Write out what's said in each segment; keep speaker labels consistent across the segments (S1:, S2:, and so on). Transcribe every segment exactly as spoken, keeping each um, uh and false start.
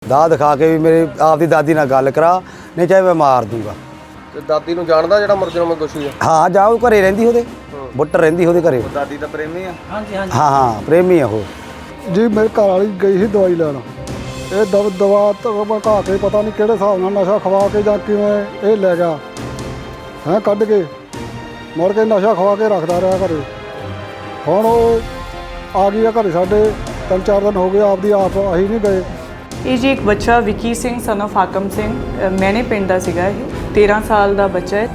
S1: दाह दिखा के भी मेरी आपकी दादी नाल गल करा, नहीं चाहे मैं मार दूंगा।
S2: ਤੇ ਦਾਦੀ ਨੂੰ ਜਾਣਦਾ ਜਿਹੜਾ ਮੁਲਜ਼ਮ ਦੋਸ਼ੀ ਹੈ?
S1: हाँ जाओ घरे रहिंदी ਉਹਦੇ ਬੁੱਟਰ ਰਹਿੰਦੀ ਉਹਦੇ ਘਰੇ।
S2: ਦਾਦੀ ਦਾ ਪ੍ਰੇਮੀ ਆ? ਹਾਂਜੀ ਹਾਂਜੀ
S1: हाँ हाँ प्रेमी है वो
S3: जी। मेरे घर वाली गई ਸੀ ਦਵਾਈ ਲੈਣ, ਇਹ ਦਵ ਦਵਾ ਧਕਾ ਕੇ ਪਤਾ ਨਹੀਂ ਕਿਹੜੇ ਹਿਸਾਬ ਨਾਲ ਨਸ਼ਾ ਖਵਾ ਕੇ ਜਾਂ ਕਿਵੇਂ ਇਹ ਲੈ ਗਿਆ ਹੈਂ ਕੱਢ ਕੇ, ਮੁੜ ਕੇ ਨਸ਼ਾ ਖਵਾ ਕੇ ਰੱਖਦਾ ਰਿਹਾ ਘਰੇ। ਹੁਣ ਉਹ ਆ ਗਈ ਆ ਘਰੇ ਸਾਡੇ, ਤਿੰਨ ਚਾਰ ਦਿਨ ਹੋ ਗਏ, ਆਪਦੀ ਆਪ ਅਸੀਂ ਨਹੀਂ ਗਏ।
S4: ਇਹ ਜੀ ਇੱਕ ਬੱਚਾ ਵਿੱਕੀ ਸਿੰਘ ਸਨ ਆਫ ਹਾਕਮ ਸਿੰਘ, ਮੈਨੇ ਪਿੰਡ ਦਾ ਸੀਗਾ। ਇਹ ਤੇਰ੍ਹਾਂ ਸਾਲ ਦਾ ਬੱਚਾ ਹੈ।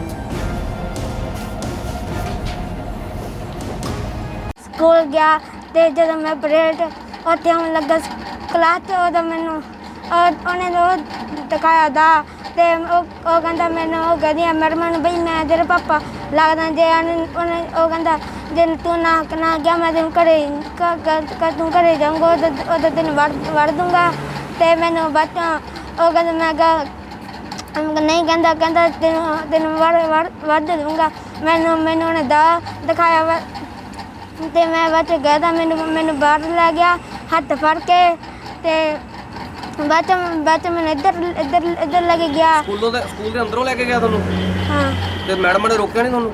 S5: ਸਕੂਲ ਗਿਆ ਤੇ ਜਦੋਂ ਮੈਂ ਪਰੇਡ ਉੱਥੇ ਆਉਣ ਲੱਗਾ ਕਲਾਸ 'ਚ, ਉਦੋਂ ਮੈਨੂੰ ਉਹ- ਉਹਨੇ ਉਹ ਦਿਖਾਇਆ ਦਾ ਤੇ ਉਹ ਉਹ ਕਹਿੰਦਾ ਮੈਨੂੰ, ਉਹ ਕਹਿੰਦੀ ਮੈਡਮ ਨੂੰ ਬਈ ਮੈਂ ਤੇਰੇ ਪਾਪਾ ਲੱਗਦਾ, ਜੇ ਉਹਨੇ ਉਹਨੇ ਉਹ ਕਹਿੰਦਾ ਜੇ ਤੂੰ ਨਾ ਨਾ ਗਿਆ ਮੈਂ ਤੈਨੂੰ ਘਰੇ ਕ ਤੂੰ ਘਰੇ ਜਾਊਂਗਾ, ਉਦੋਂ ਉਦੋਂ ਤੈਨੂੰ ਵੜ ਵੜ ਦੂੰਗਾ। ਤੇ ਮੈਨੂੰ ਬਾਅਦ 'ਚੋਂ ਉਹ ਕਹਿੰਦਾ ਮੈਂ ਕਿਹਾ ਨਹੀਂ, ਕਹਿੰਦਾ ਕਹਿੰਦਾ ਤੈਨੂੰ ਤੈਨੂੰ ਵੜ ਵੜ ਵੜ ਦੂੰਗਾ। ਮੈਨੂੰ ਮੈਨੂੰ ਉਹਨੇ ਦਾ ਦਿਖਾਇਆ ਵਾ ਤੇ ਮੈਂ ਬਾਅਦ 'ਚ ਗਿਆ ਤਾਂ ਮੈਨੂੰ ਮੈਨੂੰ ਬਾਹਰ ਲੈ ਗਿਆ ਹੱਥ ਫੜ ਕੇ, ਤੇ ਬਾਅਦ 'ਚ ਬਾਅਦ 'ਚ ਮੈਨੂੰ ਇੱਧਰ ਇੱਧਰ ਇੱਧਰ ਲੈ ਕੇ ਗਿਆ।
S2: ਸਕੂਲੋਂ ਦੇ ਸਕੂਲ ਦੇ ਅੰਦਰੋਂ ਲੈ ਕੇ ਗਿਆ ਤੁਹਾਨੂੰ?
S5: ਹਾਂ।
S2: ਤੇ ਮੈਡਮ ਨੇ ਰੋਕਿਆ ਨਹੀਂ ਤੁਹਾਨੂੰ?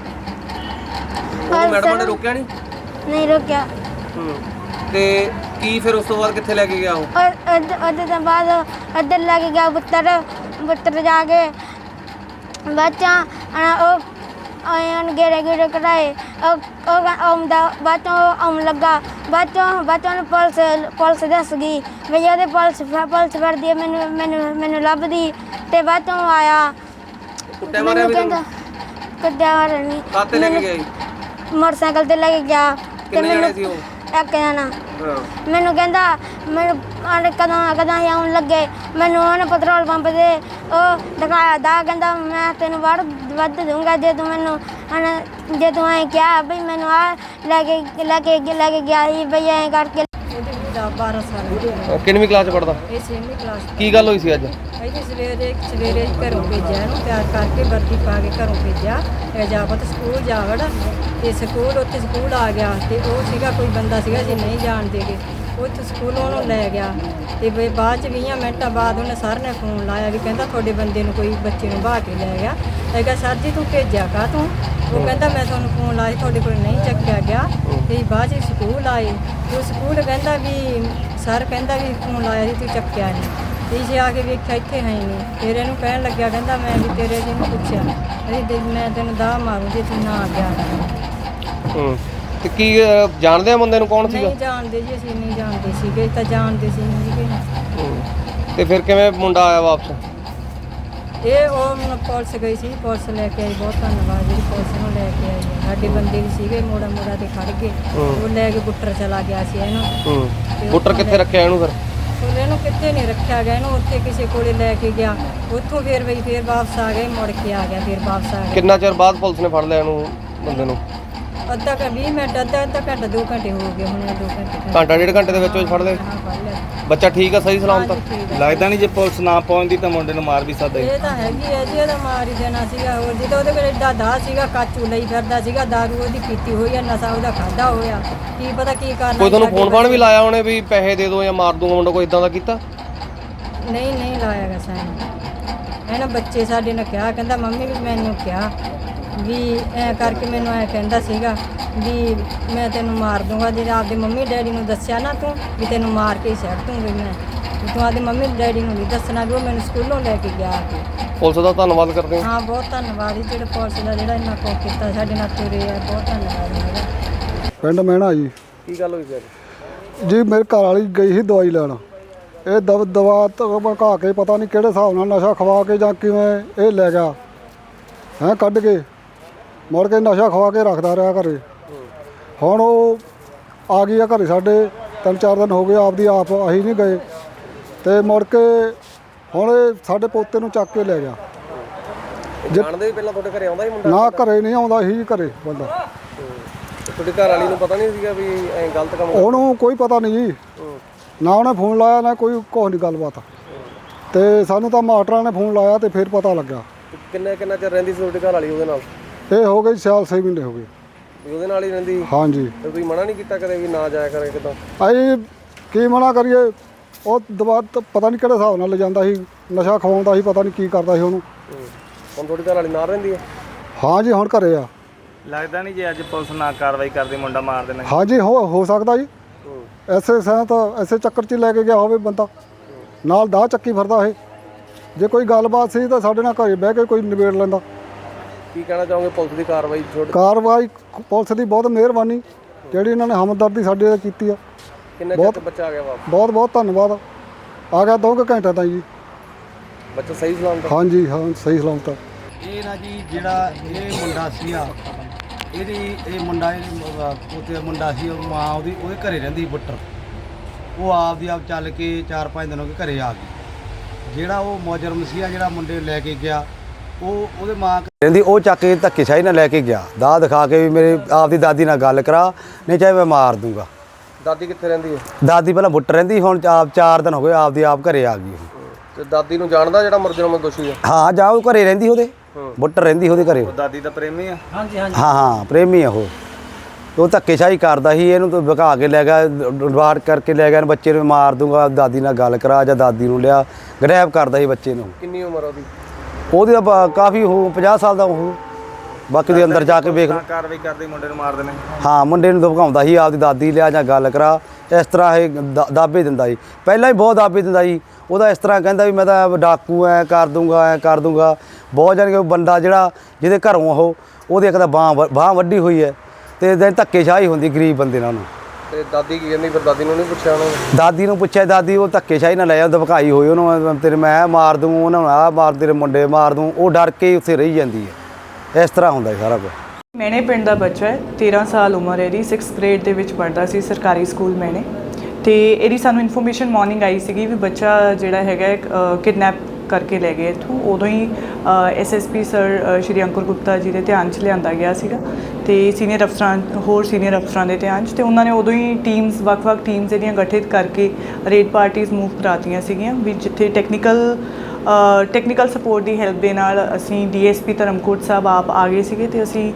S2: ਮੈਡਮ ਨੇ ਰੋਕਿਆ ਨਹੀਂ?
S5: ਨਹੀਂ ਰੋਕਿਆ।
S2: ਹੂੰ। ਤੇ ਕੀ ਫਿਰ ਉਸ ਤੋਂ ਬਾਅਦ ਕਿੱਥੇ ਲੈ ਕੇ ਗਿਆ ਉਹ?
S5: ਉਹਦੇ ਤੋਂ ਬਾਅਦ ਇੱਧਰ ਲੈ ਕੇ ਗਿਆ ਬੁੱਤਰ ਬੁੱਤਰ ਜਾ ਕੇ, ਬਾਅਦ 'ਚ ਉਹ ਆਉਣ ਗੇੜੇ ਗੇੜੇ ਕਢਾਏ। ਉਹ ਉਹ ਆਉਂਦਾ ਬਾਅਦ 'ਚੋਂ ਆਉਣ ਲੱਗਾ, ਬਾਅਦ 'ਚੋਂ ਬਾਅਦ 'ਚੋਂ ਉਹਨੂੰ ਪੁਲਿਸ ਪੁਲਿਸ ਦੱਸ ਗਈ ਵੀ ਉਹਦੇ ਪੁਲਿਸ ਪੁਲਿਸ ਫੜਦੀ ਹੈ, ਮੈਨੂੰ ਮੈਨੂੰ ਮੈਨੂੰ ਲੱਭਦੀ। ਤੇ ਬਾਅਦ 'ਚੋਂ ਆਇਆ
S2: ਕੁੱਟਿਆ ਮਾਰਿਆ ਵੀ ਤੁਹਾਨੂੰ?
S5: ਕੁੱਟਿਆ ਮਾਰਿਆ ਨਹੀਂ।
S2: ਕਾਹਤੇ ਲੈ ਕੇ ਗਿਆ ਜੀ?
S5: ਮੋਟਰਸਾਈਕਲ ਤੇ ਲੈ ਕੇ ਗਿਆ। ਤੇ
S2: ਕਿੰਨੇ
S5: ਮੈਨੂੰ
S2: ਜਣੇ ਸੀ ਉਹ?
S5: ਇੱਕ ਜਣਾ।
S2: ਹਾਂ।
S5: ਮੈਨੂੰ ਕਹਿੰਦਾ ਮੈਨੂੰ ਉਹਨੇ ਕਦੋਂ ਕਦੋਂ ਹੀ ਆਉਣ ਲੱਗੇ, ਮੈਨੂੰ ਉਹਨੇ ਪੈਟਰੋਲ ਪੰਪ ਦੇ ਉਹ ਦਿਖਾਇਆ ਦਾ, ਕਹਿੰਦਾ ਮੈਂ ਤੈਨੂੰ ਵੜ ਵੱਧ ਦੂੰਗਾ ਜੇ ਤੂੰ ਮੈਨੂੰ ਹੁਣ ਜੇ ਤੂੰ ਐਂ ਕਿਹਾ ਬਈ ਮੈਨੂੰ ਆ ਲੈ ਕੇ ਲੈ ਕੇ ਲੈ ਕੇ ਗਿਆ ਸੀ ਬਈ ਐਂ ਕਰਕੇ।
S6: ਬਾਰਾਂ ਸਾਲ।
S2: ਕਿੰਨਵੀਂ ਕਲਾਸ 'ਚ ਪੜ੍ਹਦਾ?
S6: ਇਹ ਛੇਵੀਂ ਕਲਾਸ।
S2: ਕੀ ਗੱਲ ਹੋਈ ਸੀ ਅੱਜ?
S6: ਇਹਦੀ ਸਵੇਰੇ ਸਵੇਰੇ ਘਰੋਂ ਭੇਜਿਆ, ਇਹਨੂੰ ਤਿਆਰ ਕਰਕੇ ਵਰਦੀ ਪਾ ਕੇ ਘਰੋਂ ਭੇਜਿਆ, ਇਹ ਜਾਵਤ ਸਕੂਲ ਜਾ ਵੜ। ਤੇ ਸਕੂਲ ਉੱਥੇ ਸਕੂਲ ਆ ਗਿਆ ਤੇ ਉਹ ਸੀਗਾ ਕੋਈ ਬੰਦਾ ਸੀਗਾ ਜੀ ਨਹੀਂ ਜਾਣਦੇਗੇ, ਉੱਥੇ ਸਕੂਲੋਂ ਉਹਨੂੰ ਲੈ ਗਿਆ। ਤੇ ਵੀ ਬਾਅਦ 'ਚ ਵੀਹਾਂ ਮਿੰਟਾਂ ਬਾਅਦ ਉਹਨੇ ਸਰ ਨੇ ਫੋਨ ਲਾਇਆ ਵੀ ਕਹਿੰਦਾ ਤੁਹਾਡੇ ਬੰਦੇ ਨੂੰ ਕੋਈ ਬੱਚੇ ਨੂੰ ਬਹਾ ਕੇ ਲੈ ਗਿਆ। ਮੈਂ ਕਿਹਾ ਸਰ ਜੀ ਤੂੰ ਭੇਜਿਆ ਕਾ ਤੂੰ? ਉਹ ਕਹਿੰਦਾ ਮੈਂ ਤੁਹਾਨੂੰ ਫੋਨ ਲਾਇਆ ਤੁਹਾਡੇ ਕੋਲ ਨਹੀਂ ਚੱਕਿਆ ਗਿਆ। ਤੇ ਬਾਅਦ 'ਚ ਸਕੂਲ ਆਏ, ਉਹ ਸਕੂਲ ਕਹਿੰਦਾ ਵੀ ਸਰ ਕਹਿੰਦਾ ਵੀ ਫੋਨ ਲਾਇਆ ਸੀ ਤੂੰ ਚੱਕਿਆ ਨਹੀਂ। ਤੇ ਜੇ ਆ ਕੇ ਵੇਖਿਆ ਇੱਥੇ ਹੈ ਨਹੀਂ। ਫਿਰ ਇਹਨੂੰ ਕਹਿਣ ਲੱਗਿਆ, ਕਹਿੰਦਾ ਮੈਂ ਵੀ ਤੇਰੇ ਜੀ ਨੂੰ ਪੁੱਛਿਆ ਅਰੇ ਮੈਂ ਤੈਨੂੰ ਦਾ ਮਾਰੂ ਜੇ ਤੂੰ ਨਾ ਆ ਗਿਆ।
S2: ਹੂੰ। ਤੇ ਕੀ ਜਾਣਦੇ ਆ ਬੰਦੇ ਨੂੰ? ਕੌਣ ਸੀਗਾ?
S6: ਨਹੀਂ ਜਾਣਦੇ ਜੀ, ਅਸੀਂ ਨਹੀਂ ਜਾਣਦੇ ਸੀਗੇ, ਤਾਂ ਜਾਣਦੇ ਸੀ ਨਹੀਂ ਸੀਗੇ।
S2: ਤੇ ਫਿਰ ਕਿਵੇਂ ਮੁੰਡਾ ਆਇਆ ਵਾਪਸ?
S6: ਇਹ ਉਹ ਪੁਲਿਸ ਗਈ ਸੀ, ਪੁਲਿਸ ਲੈ ਕੇ ਆਈ। ਬਹੁਤ ਧੰਨਵਾਦ ਜਿਹੜੀ ਪੁਲਿਸ ਨੂੰ ਲੈ ਕੇ ਆਈ ਹੈ। ਸਾਡੇ ਬੰਦੇ ਵੀ ਸੀਗੇ ਮੋੜਾ ਮੋੜਾ ਤੇ ਖੜ ਗਏ, ਉਹ ਲੈ ਕੇ ਬੁੱਟਰ ਚਲਾ ਗਿਆ ਸੀ ਇਹਨੂੰ।
S2: ਹੂੰ। ਬੁੱਟਰ ਕਿੱਥੇ ਰੱਖਿਆ ਇਹਨੂੰ ਫਿਰ?
S6: ਉਹ ਇਹਨੂੰ ਕਿੱਥੇ ਨਹੀਂ ਰੱਖਿਆ ਗਿਆ, ਇਹਨੂੰ ਉੱਥੇ ਕਿਸੇ ਕੋਲੇ ਲੈ ਕੇ ਗਿਆ, ਉੱਥੋਂ ਫਿਰ ਬਈ ਫਿਰ ਵਾਪਸ ਆ ਗਏ, ਮੁੜ ਕੇ ਆ ਗਿਆ, ਫਿਰ ਵਾਪਸ ਆ ਗਿਆ।
S2: ਕਿੰਨਾ ਚਿਰ ਬਾਅਦ ਪੁਲਿਸ ਨੇ ਫੜ ਲਿਆ ਇਹਨੂੰ ਬੰਦੇ ਨੂੰ?
S6: ਅੱਧਾ ਘੰਟਾ ਵੀਹ ਮਿੰਟ ਅੱਧਾ ਅੱਧਾ ਘੰਟਾ ਦੋ ਘੰਟੇ ਹੋ ਗਏ ਹੁਣ, ਦੋ ਘੰਟੇ
S2: ਘੰਟਾ ਡੇਢ ਘੰਟੇ ਦੇ ਵਿੱਚ ਵਿੱਚ ਫੜ ਲਏ?
S6: ਹਾਂ ਫੜ ਲਿਆ।
S2: ਬੱਚਾ ਠੀਕ ਆ, ਸਹੀ ਸਲਾਮਤ?
S6: ਹਾਂਜੀ, ਠੀਕ ਆ।
S7: ਲੱਗਦਾ ਨਹੀਂ ਜੇ ਪੁਲਿਸ ਨਾ ਪਹੁੰਚਦੀ ਤਾਂ ਮੁੰਡੇ ਨੂੰ ਮਾਰ ਵੀ ਸਕਦਾ
S6: ਇਹ ਤਾਂ ਹੈਗੀ ਹੈ ਜੀ, ਇਹਦਾ ਮਾਰ ਹੀ ਦੇਣਾ ਸੀਗਾ। ਹੋਰ ਜਦੋਂ ਉਹਦੇ ਕੋਲ ਏਡਾ ਦਾ ਸੀਗਾ, ਕਾਚੂ ਲਈ ਫਿਰਦਾ ਸੀਗਾ, ਦਾਰੂ ਉਹਦੀ ਪੀਤੀ ਹੋਈ ਆ, ਨਸ਼ਾ ਉਹਦਾ ਖਾਦਾ ਹੋਇਆ, ਕੀ ਪਤਾ ਕੀ ਕਰਨਾ।
S2: ਕੋਈ ਤੁਹਾਨੂੰ ਫੋਨ ਫਾਨ ਵੀ ਲਾਇਆ ਉਹਨੇ ਵੀ ਪੈਸੇ ਦੇ ਦਿਓ ਜਾਂ ਮਾਰ ਦੂੰਗਾ ਮੁੰਡਾ, ਕੋਈ ਇਦਾਂ ਦਾ ਕੀਤਾ?
S6: ਨਹੀਂ ਨਹੀਂ ਲਾਇਆਗਾ ਸਾਨੂੰ। ਇਹਨਾਂ ਬੱਚੇ ਸਾਡੇ ਨੇ ਕਿਹਾ, ਕਹਿੰਦਾ ਮੰਮੀ ਵੀ ਮੈਨੂੰ ਕਿਹਾ ਵੀ ਐਂ ਕਰਕੇ ਮੈਨੂੰ ਐਂ ਕਹਿੰਦਾ ਸੀਗਾ ਵੀ ਮੈਂ ਤੈਨੂੰ ਮਾਰ ਦੂੰਗਾ। ਜੇ ਆਪਦੇ ਮੰਮੀ ਡੈਡੀ ਨੂੰ ਦੱਸਿਆ ਨਾ ਤੂੰ ਵੀ ਤੈਨੂੰ ਮਾਰ ਕੇ ਹੀ ਛੱਡ ਦੂੰਗੀ ਮੈਂ, ਤੂੰ ਆਪਦੇ ਮੰਮੀ ਡੈਡੀ ਨੂੰ ਨਹੀਂ ਦੱਸਣਾ ਵੀ ਉਹ ਮੈਨੂੰ ਸਕੂਲੋਂ ਲੈ ਕੇ ਗਿਆ।
S2: ਪੁਲਿਸ ਦਾ ਧੰਨਵਾਦ ਕਰਦੇ ਹਾਂ।
S6: ਹਾਂ ਬਹੁਤ ਧੰਨਵਾਦ ਜੀ, ਜਿਹੜੇ ਪੁਲਿਸ ਦਾ ਜਿਹੜਾ ਇੰਨਾ ਕੁਝ ਕੀਤਾ ਸਾਡੇ ਨਾਲ ਤੁਰੇ ਆ, ਬਹੁਤ ਧੰਨਵਾਦ ਮੇਰਾ।
S3: ਪਿੰਡ ਮਹਿਣਾ ਜੀ।
S2: ਕੀ ਗੱਲ ਹੋਈ ਫਿਰ?
S3: ਜੀ ਮੇਰੇ ਘਰ ਵਾਲੀ ਗਈ ਸੀ ਦਵਾਈ ਲੈਣ, ਇਹ ਦਵ ਦਵਾ ਧਕਾ ਕੇ ਪਤਾ ਨਹੀਂ ਕਿਹੜੇ ਹਿਸਾਬ ਨਾਲ ਨਸ਼ਾ ਖਵਾ ਕੇ ਜਾਂ ਕਿਵੇਂ ਇਹ ਲੈ ਗਿਆ ਹੈਂ ਕੱਢ ਕੇ, ਮੁੜ ਕੇ ਨਸ਼ਾ ਖਵਾ ਕੇ ਰੱਖਦਾ ਰਿਹਾ ਘਰੇ। ਹੁਣ ਉਹ ਆ ਗਈ ਆ ਘਰੇ ਸਾਡੇ, ਤਿੰਨ ਚਾਰ ਦਿਨ ਹੋ ਗਏ, ਆਪਦੀ ਆਪ ਅਸੀਂ ਨਹੀਂ ਗਏ। ਤੇ ਮੁੜ ਕੇ ਹੁਣ ਇਹ ਸਾਡੇ ਪੋਤੇ ਨੂੰ ਚੱਕ ਕੇ ਲੈ ਗਿਆ।
S2: ਜਾਣਦੇ ਵੀ ਪਹਿਲਾਂ ਤੁਹਾਡੇ ਘਰੇ ਆਉਂਦਾ ਹੀ ਮੁੰਡਾ?
S3: ਨਾ ਘਰੇ ਨਹੀਂ ਆਉਂਦਾ ਸੀ ਘਰੇ ਬੰਦਾ।
S2: ਤੁਹਾਡੀ ਘਰ ਵਾਲੀ ਨੂੰ ਪਤਾ ਨਹੀਂ ਸੀਗਾ ਵੀ ਐਂ ਗਲਤ ਕੰਮ?
S3: ਉਹਨੂੰ ਕੋਈ ਪਤਾ ਨਹੀਂ ਜੀ, ਨਾ ਉਹਨੇ ਫੋਨ ਲਾਇਆ ਨਾ ਕੋਈ ਕੁਛ ਨਹੀਂ ਗੱਲਬਾਤ। ਤੇ ਸਾਨੂੰ ਤਾਂ ਮਾਸਟਰਾਂ ਨੇ ਫੋਨ ਲਾਇਆ ਤੇ ਫਿਰ ਪਤਾ ਲੱਗਾ।
S2: ਕਿੰਨਾ ਕਿੰਨਾ ਚਿਰ ਰਹਿੰਦੀ ਸੀ ਤੁਹਾਡੀ ਘਰ ਵਾਲੀ ਉਹਦੇ ਨਾਲ?
S3: ਇਹ ਹੋ ਗਈ ਸਾਲ ਛੇ ਮਹੀਨੇ ਹੋ ਗਏ।
S2: ਵੀ ਉਹਦੇ ਨਾਲ ਹੀ ਰਹਿੰਦੀ?
S3: ਹਾਂਜੀ।
S2: ਤੇ ਤੁਸੀਂ ਮਨਾ ਨਹੀਂ ਕੀਤਾ ਕਦੇ ਵੀ ਨਾ ਜਾਇਆ ਕਰੇ ਕਿਦਾਂ?
S3: ਅਸੀਂ ਕੀ ਮਨਾ ਕਰੀਏ, ਉਹ ਦਵਾ ਤਾਂ ਪਤਾ ਨਹੀਂ ਕਿਹੜੇ ਹਿਸਾਬ ਨਾਲ ਲਿਜਾਂਦਾ ਸੀ, ਨਸ਼ਾ ਖਵਾਉਂਦਾ ਸੀ, ਪਤਾ ਨਹੀਂ ਕੀ ਕਰਦਾ ਸੀ ਉਹਨੂੰ।
S2: ਹੁਣ ਤੁਹਾਡੀ ਘਰ ਵਾਲੀ ਨਾਲ ਰਹਿੰਦੀ ਹੈ?
S3: ਹਾਂ ਜੀ, ਹੁਣ ਘਰੇ ਆ।
S7: ਲੱਗਦਾ ਨਹੀਂ ਜੇ ਅੱਜ ਪੁਲਿਸ ਨਾ ਕਾਰਵਾਈ ਕਰਦੀ ਮੁੰਡਾ ਮਾਰ ਦੇਣਾ।
S3: ਹਾਂ ਜੀ, ਹੋ ਹੋ ਸਕਦਾ ਜੀ। ਐਸੇ ਸਾਂ ਤਾਂ ਐਸੇ ਚੱਕਰ 'ਚ ਹੀ ਲੈ ਕੇ ਗਿਆ ਹੋਵੇ ਬੰਦਾ, ਨਾਲ ਦਾਅ ਚੱਕੀ ਫਿਰਦਾ ਇਹ। ਜੇ ਕੋਈ ਗੱਲਬਾਤ ਸੀ ਤਾਂ ਸਾਡੇ ਨਾਲ ਘਰੇ ਬਹਿ ਕੇ ਕੋਈ ਨਿਬੇੜ ਲੈਂਦਾ।
S2: ਕੀ ਕਹਿਣਾ ਚਾਹੋਗੇ ਪੁਲਿਸ ਦੀ ਕਾਰਵਾਈ ਛੋੜ?
S3: ਕਾਰਵਾਈ ਪੁਲਿਸ ਦੀ ਬਹੁਤ ਮਿਹਰਬਾਨੀ, ਜਿਹੜੀ ਇਹਨਾਂ ਨੇ ਹਮਦਰਦੀ ਸਾਡੇ ਨਾਲ ਕੀਤੀ ਆ।
S2: ਕਿੰਨੇ
S3: ਬਹੁਤ-
S2: ਚਿਰ ਬੱਚਾ ਆ ਗਿਆ ਵਾਪਸ?
S3: ਬਹੁਤ ਬਹੁਤ ਧੰਨਵਾਦ। ਆ ਗਿਆ ਦੋ ਕੁ ਘੰਟੇ ਤਾਂ ਜੀ।
S2: ਬੱਚਾ ਸਹੀ ਸਲਾਮਤ?
S3: ਹਾਂ ਜੀ, ਹਾਂ, ਸਹੀ ਸਲਾਮਤ ਆ।
S1: ਇਹ ਨਾ ਜੀ ਜਿਹੜਾ ਇਹ ਮੁੰਡਾ ਸੀਗਾ, ਇਹਦੀ ਇਹ ਮੁੰਡਾ ਇਹ ਪੋਤੇ ਦਾ ਮੁੰਡਾ ਸੀ, ਉਹ ਮਾਂ ਉਹਦੀ ਉਹਦੇ ਘਰੇ ਰਹਿੰਦੀ ਬੁੱਟਰ। ਉਹ ਆਪ ਦੀ ਆਪ ਚੱਲ ਕੇ ਚਾਰ ਪੰਜ ਦਿਨ ਹੋ ਗਏ ਘਰੇ ਆ ਗਈ। ਜਿਹੜਾ ਉਹ ਮੁਜਰਮ ਸੀਗਾ ਜਿਹੜਾ ਮੁੰਡੇ ਲੈ ਕੇ ਗਿਆ, ਉਹ ਉਹਦੇ ਮਾਂ ਰਹਿੰਦੀ, ਉਹ ਚੱਕ ਕੇ ਧੱਕੇਸ਼ਾਹੀ ਨਾਲ ਲੈ ਕੇ ਗਿਆ, ਦਾਅ ਦਿਖਾ ਕੇ ਵੀ ਮੇਰੇ ਆਪ ਦੀ ਦਾਦੀ ਨਾਲ ਗੱਲ ਕਰਾ, ਨਹੀਂ ਚਾਹੇ ਮੈਂ ਮਾਰ ਦੂੰਗਾ।
S2: ਦਾਦੀ ਕਿੱਥੇ ਰਹਿੰਦੀ ਹੈ?
S1: ਦਾਦੀ ਪਹਿਲਾਂ ਬੁੱਟਰ ਰਹਿੰਦੀ, ਹੁਣ ਆਪ ਚਾਰ ਦਿਨ ਹੋ ਗਏ ਆਪ ਦੀ ਆਪ ਘਰੇ ਆ ਗਈ।
S2: ਤੇ ਦਾਦੀ ਨੂੰ ਜਾਣਦਾ ਜਿਹੜਾ ਮੁਜਰਮ ਦੋਸ਼ੀ ਹੈ?
S1: ਹਾਂ, ਜਾ ਉਹ ਘਰੇ ਰਹਿੰਦੀ, ਉਹਦੇ ਬੁੱਟਰ ਰਹਿੰਦੀ ਉਹਦੇ ਘਰੇ।
S7: ਉਹ ਦਾਦੀ ਦਾ ਪ੍ਰੇਮੀ ਆ?
S1: ਹਾਂ ਹਾਂ, ਪ੍ਰੇਮੀ ਆ ਉਹ। ਉਹ ਧੱਕੇਸ਼ਾਹੀ ਕਰਦਾ ਸੀ, ਇਹਨੂੰ ਤਾਂ ਵਿਕਾ ਕੇ ਲੈ ਗਿਆ, ਡਿਵਾਰਡ ਕਰਕੇ ਲੈ ਗਿਆ, ਬੱਚੇ ਨੂੰ ਮਾਰ ਦੂੰਗਾ, ਦਾਦੀ ਨਾਲ ਗੱਲ ਕਰਾ, ਜਾਂ ਦਾਦੀ ਨੂੰ ਲਿਆ, ਗ੍ਰੈਬ ਕਰਦਾ ਸੀ ਬੱਚੇ ਨੂੰ।
S2: ਕਿੰਨੀ ਉਮਰ ਉਹਦੀ?
S1: ਉਹਦੀ ਤਾਂ ਕਾਫੀ ਉਹ ਪੰਜਾਹ ਸਾਲ ਦਾ ਉਹ। ਬਾਕੀ ਦੇ ਅੰਦਰ ਜਾ ਕੇ ਵੇਖ ਲਓ।
S7: ਨਾ ਕਾਰਵਾਈ ਕਰਦੀ ਮੁੰਡੇ ਨੂੰ ਮਾਰ ਦੇਣੇ।
S1: ਹਾਂ, ਮੁੰਡੇ ਨੂੰ ਧਮਕਾਉਂਦਾ ਸੀ, ਆਪਦੀ ਦਾਦੀ ਲਿਆ ਜਾਂ ਗੱਲ ਕਰਾ, ਇਸ ਤਰ੍ਹਾਂ ਇਹ ਦਾ- ਦਾਅਵੇ ਦਿੰਦਾ ਸੀ। ਪਹਿਲਾਂ ਹੀ ਬਹੁਤ ਦਾਅਵੇ ਦਿੰਦਾ ਸੀ। ਉਹਦਾ ਇਸ ਤਰ੍ਹਾਂ ਕਹਿੰਦਾ ਵੀ ਮੈਂ ਤਾਂ ਡਾਕੂ ਐ ਕਰ ਦੂੰਗਾ, ਐ ਕਰ ਦੂੰਗਾ। ਬਹੁਤ ਜਾਣੀ ਕਿ ਬੰਦਾ ਜਿਹੜਾ ਜਿਹਦੇ ਘਰੋਂ ਉਹ ਉਹਦੇ ਇੱਕ ਤਾਂ ਬਾਂਹ ਬਾਂਹ ਵੱਢੀ ਹੋਈ ਹੈ, ਅਤੇ ਦਿਨ ਧੱਕੇਸ਼ਾਹੀ ਹੁੰਦੀ ਗਰੀਬ ਬੰਦੇ ਨਾਲ ਉਹਨੂੰ।
S2: ਤੇ ਦਾਦੀ ਕੀ ਕਹਿੰਦੀ ਫਿਰ? ਦਾਦੀ ਨੂੰ ਨਹੀਂ ਪੁੱਛਿਆ ਉਹਨਾਂ ਨੇ?
S1: ਦਾਦੀ ਨੂੰ ਪੁੱਛਿਆ, ਦਾਦੀ ਉਹ ਧੱਕੇਸ਼ਾਹੀ ਨਾਲ ਲੈ ਜਾ, ਧਮਕਾਈ ਹੋਈ ਉਹਨੂੰ, ਤੇਰੇ ਮੈਂ ਮਾਰ ਦੂੰ, ਉਹਨਾਂ ਨੂੰ ਆਹ ਮਾਰ, ਤੇਰੇ ਮੁੰਡੇ ਮਾਰ ਦੂੰ। ਉਹ ਡਰ ਕੇ ਉੱਥੇ ਰਹੀ ਜਾਂਦੀ ਹੈ। ਇਸ ਤਰ੍ਹਾਂ ਹੁੰਦਾ ਸਾਰਾ ਕੁਝ।
S4: ਮੈਨੇ ਪਿੰਡ ਦਾ ਬੱਚਾ ਹੈ, ਤੇਰਾਂ ਸਾਲ ਉਮਰ ਹੈ ਇਹਦੀ, ਸਿਕਸਥ ਗ੍ਰੇਡ ਦੇ ਵਿੱਚ ਪੜ੍ਹਦਾ ਸੀ ਸਰਕਾਰੀ ਸਕੂਲ ਮੈਨੇ। ਅਤੇ ਇਹਦੀ ਸਾਨੂੰ ਇਨਫੋਰਮੇਸ਼ਨ ਮਾਰਨਿੰਗ ਆਈ ਸੀਗੀ ਵੀ ਬੱਚਾ ਜਿਹੜਾ ਹੈਗਾ ਕਿਡਨੈਪ ਕਰਕੇ ਲੈ ਗਏ ਇੱਥੋਂ। ਉਦੋਂ ਹੀ S S P sir Shri Ankur Gupta ji ਦੇ ਧਿਆਨ 'ਚ ਲਿਆਂਦਾ ਗਿਆ ਸੀਗਾ, ਅਤੇ ਸੀਨੀਅਰ ਅਫਸਰਾਂ ਹੋਰ ਸੀਨੀਅਰ ਅਫਸਰਾਂ ਦੇ ਧਿਆਨ 'ਚ, ਅਤੇ ਉਹਨਾਂ ਨੇ ਉਦੋਂ ਹੀ ਟੀਮਸ ਵੱਖ-ਵੱਖ ਟੀਮਸ ਇਹਦੀਆਂ ਗਠਿਤ ਕਰਕੇ ਰੇਡ ਪਾਰਟੀਜ਼ ਮੂਵ ਕਰਾਤੀਆਂ ਸੀਗੀਆਂ ਵੀ ਜਿੱਥੇ ਟੈਕਨੀਕਲ ਟੈਕਨੀਕਲ ਸਪੋਰਟ ਦੀ ਹੈਲਪ ਦੇ ਨਾਲ ਅਸੀਂ D S P Dharamkot Sahib ਆਪ ਆ ਗਏ ਸੀਗੇ, ਅਤੇ ਅਸੀਂ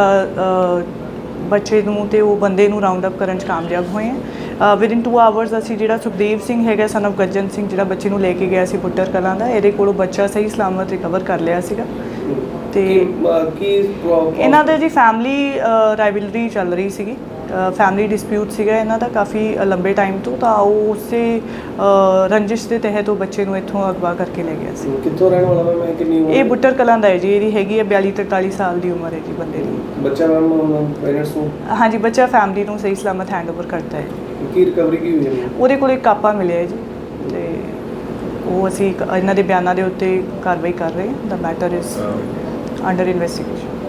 S4: ਬੱਚੇ ਨੂੰ ਅਤੇ ਉਹ ਬੰਦੇ ਨੂੰ ਰਾਉਂਡ ਅਪ ਕਰਨ 'ਚ ਕਾਮਯਾਬ ਹੋਏ ਹਾਂ। ਵਿਦਿਨ ਟੂ ਆਵਰਸ ਅਸੀਂ ਜਿਹੜਾ ਸੁਖਦੇਵ ਸਿੰਘ ਹੈਗਾ ਸਨ ਆਫ ਗੱਜਨ ਸਿੰਘ, ਜਿਹੜਾ ਬੱਚੇ ਨੂੰ ਲੈ ਕੇ ਗਿਆ ਸੀ ਬੁੱਟਰ ਕਲਾਂ ਦਾ, ਇਹਦੇ ਕੋਲੋਂ ਬੱਚਾ ਸਹੀ ਸਲਾਮਤ ਰਿਕਵਰ ਕਰ ਲਿਆ ਸੀਗਾ। ਅਤੇ
S2: ਕੀ
S4: ਇਹਨਾਂ ਦੇ ਜੀ ਫੈਮਿਲੀ ਰਾਈਵਲਰੀ ਚੱਲ ਰਹੀ ਸੀਗੀ, ਫੈਮਿਲੀ ਡਿਸਪਿਊਟ ਸੀਗਾ ਇਹਨਾਂ ਦਾ ਕਾਫੀ ਲੰਬੇ ਟਾਈਮ ਤੋਂ, ਤਾਂ ਉਹ ਉਸੇ ਰੰਜਿਸ਼ ਦੇ ਤਹਿਤ ਉਹ ਬੱਚੇ ਨੂੰ ਇੱਥੋਂ ਅਗਵਾ ਕਰਕੇ ਲੈ ਗਿਆ ਸੀ।
S2: ਕਿੱਥੋਂ ਰਹਿਣ ਵਾਲਾ ਮੈਂ? ਕਿੰਨੀ ਉਮਰ?
S4: ਇਹ ਬੁੱਟਰ ਕਲਾਂ ਦਾ ਹੈ ਜੀ, ਇਹਦੀ ਹੈਗੀ ਹੈ ਬਿਆਲੀ ਤਰਤਾਲੀ ਸਾਲ ਦੀ ਉਮਰ ਹੈ ਜੀ ਬੰਦੇ ਦੀ।
S2: ਬੱਚਾ ਮੈਮ ਪੇਰੈਂਟਸ ਨੂੰ?
S4: ਹਾਂਜੀ, ਬੱਚਾ ਫੈਮਿਲੀ ਨੂੰ ਸਹੀ ਸਲਾਮਤ ਹੈਂਡਓਵਰ ਕਰਦਾ ਹੈ।
S2: ਕੀ ਰਿਕਵਰੀ ਕੀ ਹੋਈ ਹੈ?
S4: ਉਹਦੇ ਕੋਲ ਇੱਕ ਕਾਪਾ ਮਿਲਿਆ ਹੈ ਜੀ, ਅਤੇ ਉਹ ਅਸੀਂ ਇੱਕ- ਇਹਨਾਂ ਦੇ ਬਿਆਨਾਂ ਦੇ ਉੱਤੇ ਕਾਰਵਾਈ ਕਰ ਰਹੇ ਹਾਂ। The matter is under investigation.